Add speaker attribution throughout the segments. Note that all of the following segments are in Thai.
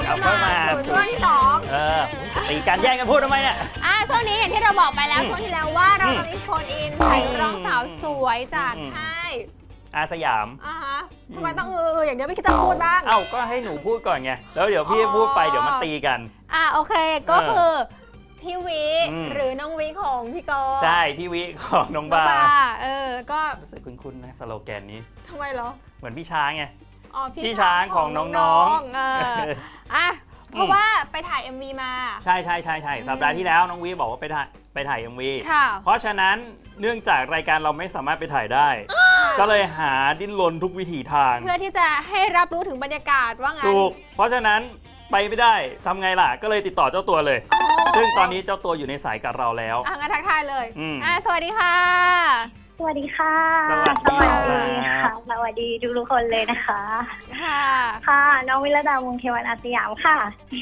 Speaker 1: เอาเข้ามา
Speaker 2: สู่ช่วงที่2
Speaker 1: ตีการแย่งกันพูดทำไมเนี่ย
Speaker 2: ช่วงนี้อย่างที่เราบอกไปแล้วช่วงที่แล้วว่าเราจะมีโฟนอินถ่ายนักร้องสาวสวยจากค่าย
Speaker 1: อาสยาม
Speaker 2: ฮะทำไมต้องอย่างเดียวไม่คิดจะพูดบ้าง
Speaker 1: เอ้าก็ให้หนูพูดก่อนไงแล้วเดี๋ยวพี่พูดไปเดี๋ยวมันตีกัน
Speaker 2: โอเคก็คือพี่วิหรือน้องวิของพี่กอ
Speaker 1: ใช่พี่วิของน้องบา
Speaker 2: ก็
Speaker 1: รู้สึกคุ้นๆนะสโลแกนนี้
Speaker 2: ทำไมเหรอ
Speaker 1: เหมือนพี่ช้างไง
Speaker 2: พี่
Speaker 1: ช้างของน้อง
Speaker 2: ๆเพราะว่าไปถ่าย MV มา
Speaker 1: ใช่สัปดาห์ที่แล้วน้องวิบอกว่าไปถ่าย MV เพราะฉะนั้นเนื่องจากรายการเราไม่สามารถไปถ่ายได้ก็เลยหาดิ้นรนทุกวิถีทาง
Speaker 2: เพื่อที่จะให้รับรู้ถึงบรรยากาศว่างั้น
Speaker 1: ถูกเพราะฉะนั้นไปไม่ได้ทำไงล่ะก็เลยติดต่อเจ้าตัวเลยซึ่งตอนนี้เจ้าตัวอยู่ในสายกับเราแล้ว
Speaker 2: งั้นทักทายเลยสวัสดีค่ะ
Speaker 3: สวัสดีค่ะ
Speaker 1: สวัสดี
Speaker 3: ค่ะสวัสดีทุกคนเลยนะคะค่ะน้องวิรดาวงศ์เทวันอาสยามค่ะ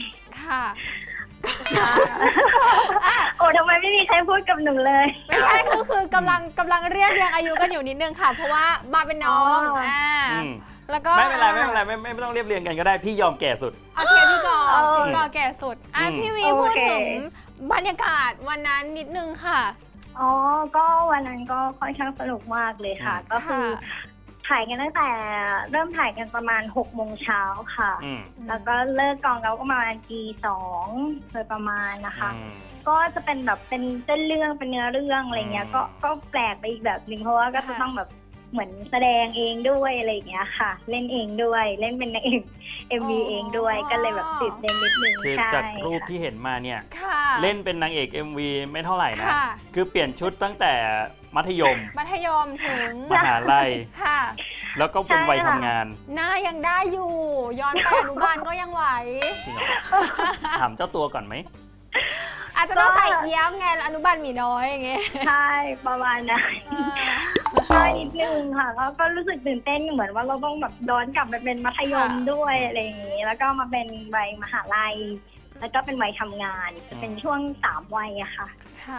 Speaker 3: โอ้ทำไมไม่มีใครพูดกับหนูเลย
Speaker 2: ไม่ใช่คือกำลังเรียกอายุกันอยู่นิดนึงค่ะเพราะว่ามาเป็นน้องแล้วก็
Speaker 1: ไม่เป็นไรไม่ต้องเรียบเรียงกันก็ได้พี่ยอมแก่สุด
Speaker 2: โอเคพี่กอแก่สุดพี่วีพูดถึงบรรยากาศวันนั้นนิดนึงค่ะ
Speaker 3: ก็วันนั้นก็ค่อนข้างสนุกมากเลยค่ะก็คือถ่ายกันตั้งแต่เริ่มถ่ายกันประมาณ6 โมงเช้าค่ะแล้วก็เลิกกองเราก็ประมาณตี 2โดยประมาณนะคะก็จะเป็นแบบเป็นเส้นเรื่องเป็นเนื้อเรื่องอะไรเงี้ยก็แปลกไปอีกแบบนึงเพราะว่าก็จะต้องแบบเหมือนแสดงเองด้วยอะไรอย่างเงี้ยค่ะเล่นเองด้วยเล่นเป็นนางเอก MV เองด้วยก็เลยแบบตื่นเต้นนิดนึง
Speaker 1: คือจากรูปที่เห็นมาเนี่ยเล่นเป็นนางเอก MV ไม่เท่าไหร่นะคือเปลี่ยนชุดตั้งแต่มัธยม
Speaker 2: ถึง
Speaker 1: มหาลัยแล้วก็เป็นวัยทำงาน
Speaker 2: หน้ายังได้อยู่ย้อนไปอนุบาลก็ยังไหว
Speaker 1: ถามเจ้าตัวก่อนไหม
Speaker 2: อาจจะต้องใส่เอี้ยมไงอนุบาลมีน้อยอย่างเงี้ย
Speaker 3: ใช่ประมาณนั้นก็นิดนึงค่ะก็รู้สึกตื่นเต้นเหมือนว่าเราต้องแบบย้อนกลับไปเป็นมัธยมด้วยอะไรอย่างงี้แล้วก็มาเป็นวัยมหาลัยแล้วก็เป็นวัยทำงานจะเป็นช่วง3 วัยอะค่ะ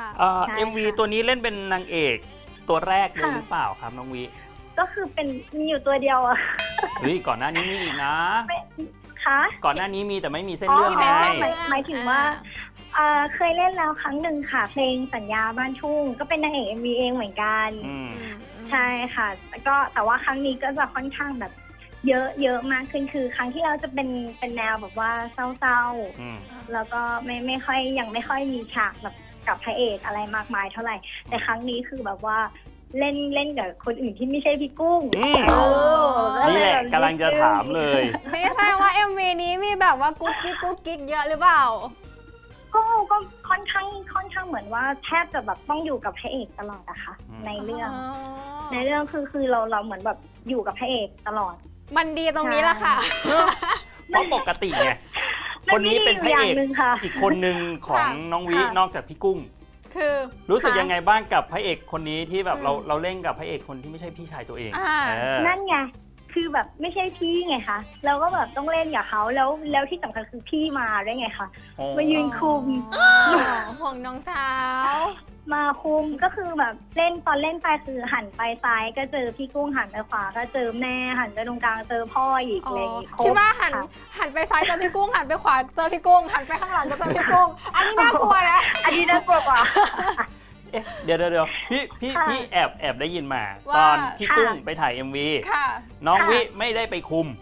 Speaker 1: MV ตัวนี้เล่นเป็นนางเอกตัวแรกเลยหรือเปล่าครับน้องวิ
Speaker 3: ก็คือเป็นมีอยู่ตัวเดียวอะ
Speaker 1: เฮ้ยก่อนหน้านี้มีอีกนะ
Speaker 3: คะ
Speaker 1: ก่อนหน้านี้มีแต่ไม่มีเส้นเรื่อง
Speaker 3: ไงหมายถึงว่าเคยเล่นแล้วครั้งหนึ่งค่ะเพลงสัญญาบ้านทุ่งก็เป็นนางเอก MV เองเหมือนกันใช่ค่ะก็แต่ว่าครั้งนี้ก็จะค่อนข้างแบบเยอะมากขึ้นคือครั้งที่เราจะเป็นแนวแบบว่าเศร้าๆแล้วก็ไม่ค่อยยังไม่ค่อยมีฉากแบบกับพระเอกอะไรมากมายเท่าไหร่แต่ครั้งนี้คือแบบว่าเล่นกับคนอื่นที่ไม่ใช่พี่กุ้ง
Speaker 1: นี่แหละกำลังจะถามเลย
Speaker 2: ไม่ใช่ว่า MV นี้มีแบบว่ากุ๊กกิ๊กเยอะหรือเปล่า
Speaker 3: ก็ค่อนข้างเหมือนว่าแทบจะแบบต้องอยู่กับพระเอกตลอดอะค่ะในเรื่องคือเราเหมือนแบบอยู่กับพระเอกตลอด
Speaker 2: มันดีตรงนี้แหละค่ะ
Speaker 1: เพราะปกติไงคนนี้เป็นพระเอกอีกคนหนึ่งของน้องวินอกจากพี่กุ้ง
Speaker 2: คือ
Speaker 1: รู้สึกยังไงบ้างกับพระเอกคนนี้ที่แบบเราเล่นกับพระเอกคนที่ไม่ใช่พี่ชายตัวเอง
Speaker 3: นั่นไงคือแบบไม่ใช่พี่ไงคะเราก็แบบต้องเล่นกับเขาแล้วที่สำคัญคือพี่มาด้วยไงคะมายืนคุม
Speaker 2: ห่วงน้องสาว
Speaker 3: มาคุมก็คือแบบตอนเล่นไปคือหันไปซ้ายก็เจอพี่กุ้งหันไปขวาก็เจอแม่หันไปตรงกลางเจอพ่ออีกอะไรอย่างงี้
Speaker 2: คิดว่าหันไปซ้ายเจอพี่กุ้งหันไปขวาเจอพี่กุ้งหันไปข้างหลังก็เจอพี่กุ้งอันนี้น่ากลัวนะ
Speaker 3: อันนี้น่ากลัวกว่า
Speaker 1: เดี๋ยวพี่แอบได้ยินมาตอนพี่กุ้งไปถ่าย MV น้องวิไม่ได้ไปคุม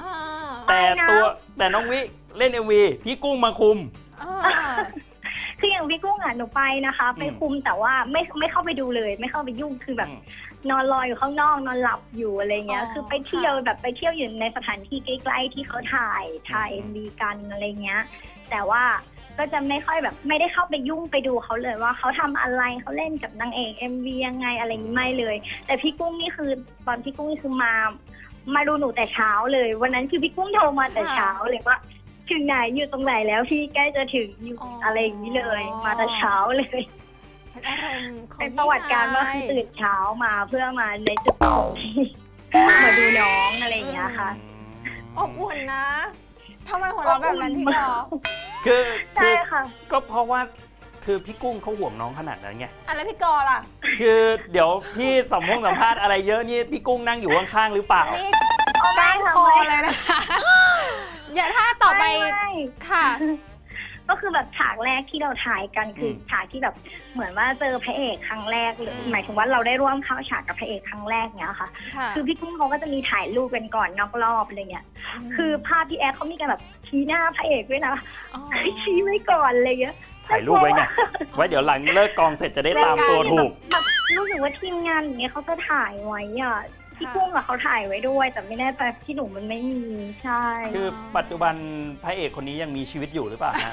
Speaker 1: แต่น้องวิเล่น MV พี่กุ้งมาคุม
Speaker 3: คืออย่างพี่กุ้งหนูไปนะคะไปคุมแต่ว่าไม่เข้าไปดูเลยไม่เข้าไปยุ่งคือแบบนอนรออยู่ข้างนอกนอนหลับอยู่อะไรเงี้ยคือไปเที่ยวแบบไปเที่ยวอยู่ในสถานที่ใกล้ๆที่เขาถ่าย MV กันอะไรเงี้ยแต่ว่าก็จะไม่ค่อยแบบไม่ได้เข้าไปยุ่งไปดูเขาเลยว่าเขาทำอะไรเขาเล่นกับนางเอก MV ยังไงอะไรนี้ไม่เลยแต่พี่กุ้งนี่คือตอนพี่กุ้งนี่คือมาดูหนูแต่เช้าเลยวันนั้นคือพี่กุ้งโทรมาแต่เช้าเลยว่าถึงไหนอยู่ตรงไหนแล้วพี่ใกล้จะถึงอยู่อะไรอย่างนี้เลยมาแต่เช้าเลยเป็นประวัติการว่าคือตื่นเช้ามาเพื่อมาในจุดที่มาดูน้องอะไรอย่างเงี้ยค่ะ
Speaker 2: อบอุ่นนะทำไมหัวเราะแบบนั้นพี่กอ
Speaker 1: คือก็เพราะว่าคือพี่กุ้งเขาห่วงน้องขนาดนั้นไง
Speaker 2: แล้วพี่กอล่ะ
Speaker 1: คือเดี๋ยวพี่สัมภาษณ์อะไรเยอะนี่พี่กุ้งนั่งอยู่ข้างๆหรือเปล่า
Speaker 2: ก้านคอเลยนะคะอย่าถ้าต่อไปค่ะ
Speaker 3: ก็คือแบบฉากแรกที่เราถ่ายกันคือฉากที่แบบเหมือนว่าเจอพระเอกครั้งแรกหรือหมายถึงว่าเราได้ร่วมเข้าฉากกับพระเอกครั้งแรกเนี้ยค่ะ คือพี่กุ้งเขาก็จะมีถ่ายรูปกันก่อนนอกรอบอะไรเงี้ยคือภาพพี่แอดเขามีการแบบชี้หน้าพระเอกด้วยนะชี้ไว้ก่อนอะไรเงี้ย
Speaker 1: ถ่ายรูปไว้ไงไว้เดี๋ยวหลังเลิกกองเสร็จจะได้ตามตัวถูก
Speaker 3: แบบรู้สึกว่าทีมงานอย่างเงี้ยเขาจะถ่ายไว้อ่ะพี่กุ้งอะเขาถ่ายไว้ด้วยแต่ไม่แน่ใจที่หนูมันไม่มีใช่
Speaker 1: คือปัจจุบันพระเอกคนนี้ยังมีชีวิตอยู่หรือเปล่าฮะ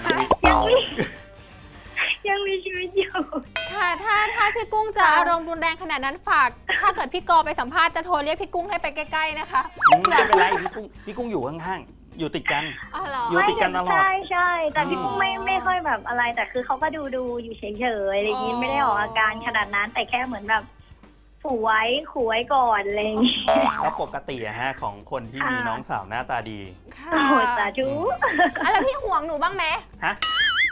Speaker 3: ยังมีชีวิตอยู่
Speaker 2: ค่ะถ้าพี่กุ้งจะอารมณ์รุนแรงขนาดนั้นฝากถ้าเกิดพี่กอไปสัมภาษณ์จะโทรเรียกพี่กุ้งให้ไปใกล้ๆนะคะ
Speaker 1: ไม่เป็นไรพี่กุ้งอยู่ข้างๆอยู่ติดกันอยู่ติดกันตลอด
Speaker 3: ใช่แต่พี่กุ้งไม่ค่อยแบบอะไรแต่คือเขาก็ดูอยู่เฉยๆอะไรอย่างนี้ไม่ได้ออกอาการขนาดนั้นแต่แค่เหมือนแบบขู่ไว้ก่อนอะไรอย่างนี้
Speaker 1: แล้วปกติอะฮะของคนที่มีน้องสาวหน้าตาดี
Speaker 3: โอ้โหสาธุ
Speaker 2: แล้วพี่ห่วงหนูบ้างไหม
Speaker 1: ฮะ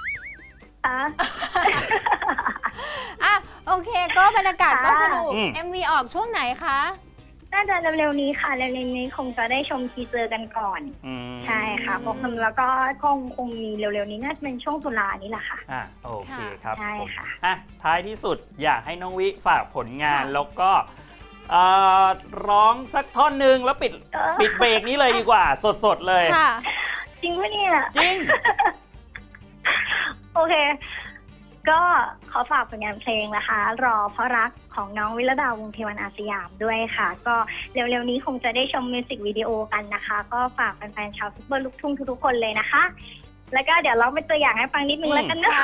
Speaker 2: อ่ะโอเคก็บรรยากาศก็สนุก MV ออกช่วงไหนคะ
Speaker 3: น่าจะเร็วๆนี้ค่ะเร็วๆนี้คงจะได้ชมทีเซอร์กันก่อนใช่ค่ะแล้วก็คงมีเร็วๆนี้น่าจะเป็นช่วงตุลานี้แหละค่ะ
Speaker 1: โอเคครับ
Speaker 3: ใช่ค่ะ
Speaker 1: ท้ายที่สุดอยากให้น้องวิฝากผลงานแล้วก็ร้องสักท่อนหนึ่งแล้วปิดเบรกนี้เลยดีกว่าสดๆเลย
Speaker 3: จริงปะเนี่ย
Speaker 1: จริง
Speaker 3: โอเคก็ขอฝากผลงานเพลงนะคะรอเพราะรักของน้องวิรดาวงศ์เทวันอาสยามด้วยค่ะก็เร็วๆนี้คงจะได้ชมมิวสิกวิดีโอกันนะคะก็ฝากแฟนๆชาวซุปเปอร์ลูกทุ่งทุกๆคนเลยนะคะแล้วก็เดี๋ยวเราเป็นตัวอย่างให้ฟังนิดนึงแล้วกันนะ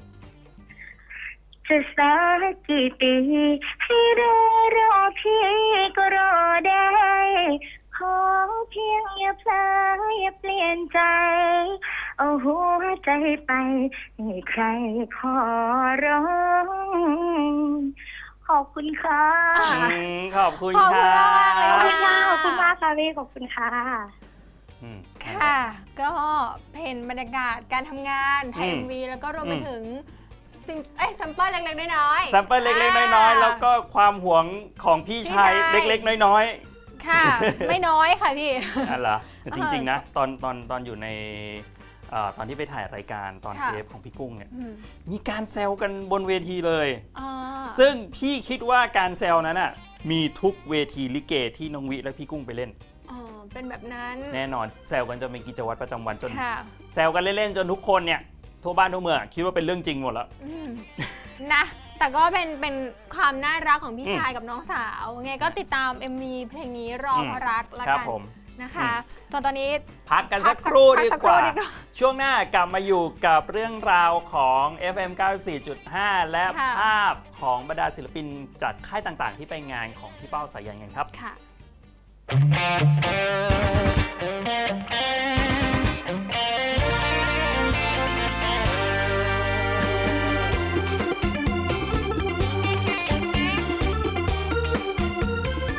Speaker 3: จะสักกี่ปีให้รอพี่ก็รอได้ขอเพียงอย่าเพลออย่าเปลี่ยนใจเอาหัวใจไปให้ใครขอร้องขอบคุณค่ะ
Speaker 1: ขอบคุณค่ะ
Speaker 3: ขอบคุณมากค่ะพี่ขอบคุณค่ะ
Speaker 2: ค่ะก็เป็นบรรยากาศการทำงานถ่าย MV แล้วก็รวมไปถึงซัมเปิลเล็กๆน้อย
Speaker 1: ๆซัมเปิลเล็กๆน้อยๆแล้วก็ความหวงของพี่ชายเล็กๆน้อย
Speaker 2: ๆค่ะไม่น้อยค่ะพี่
Speaker 1: เหรอจริงๆนะตอนอยู่ในตอนที่ไปถ่ายรายการตอนเทปของพี่กุ้งเนี่ยมีการแซวกันบนเวทีเลยซึ่งพี่คิดว่าการแซวนั้นมีทุกเวทีลิเกที่น้องวิและพี่กุ้งไปเล่น
Speaker 2: เป็นแบบนั้น
Speaker 1: แน่นอนแซวกันจนเป็นกิจวัตรประจำวันจนแซวกันเล่นๆจนทุกคนเนี่ยทั่วบ้านทั่วเมืองคิดว่าเป็นเรื่องจริงหมดแล้ว
Speaker 2: นะแต่ก็เป็นความน่ารักของพี่ชายกับน้องสาวไงก็ติดตาม MV เพลงนี้รอเพราะรักแล้วกันนะคะตอนนี้
Speaker 1: พักกันสักครู่ดีกว่าช่วงหน้ากลับมาอยู่กับเรื่องราวของ FM 94.5 และภาพของบรรดาศิลปินจากค่ายต่างๆที่ไปงานของพี่เป้าสายันกันครับ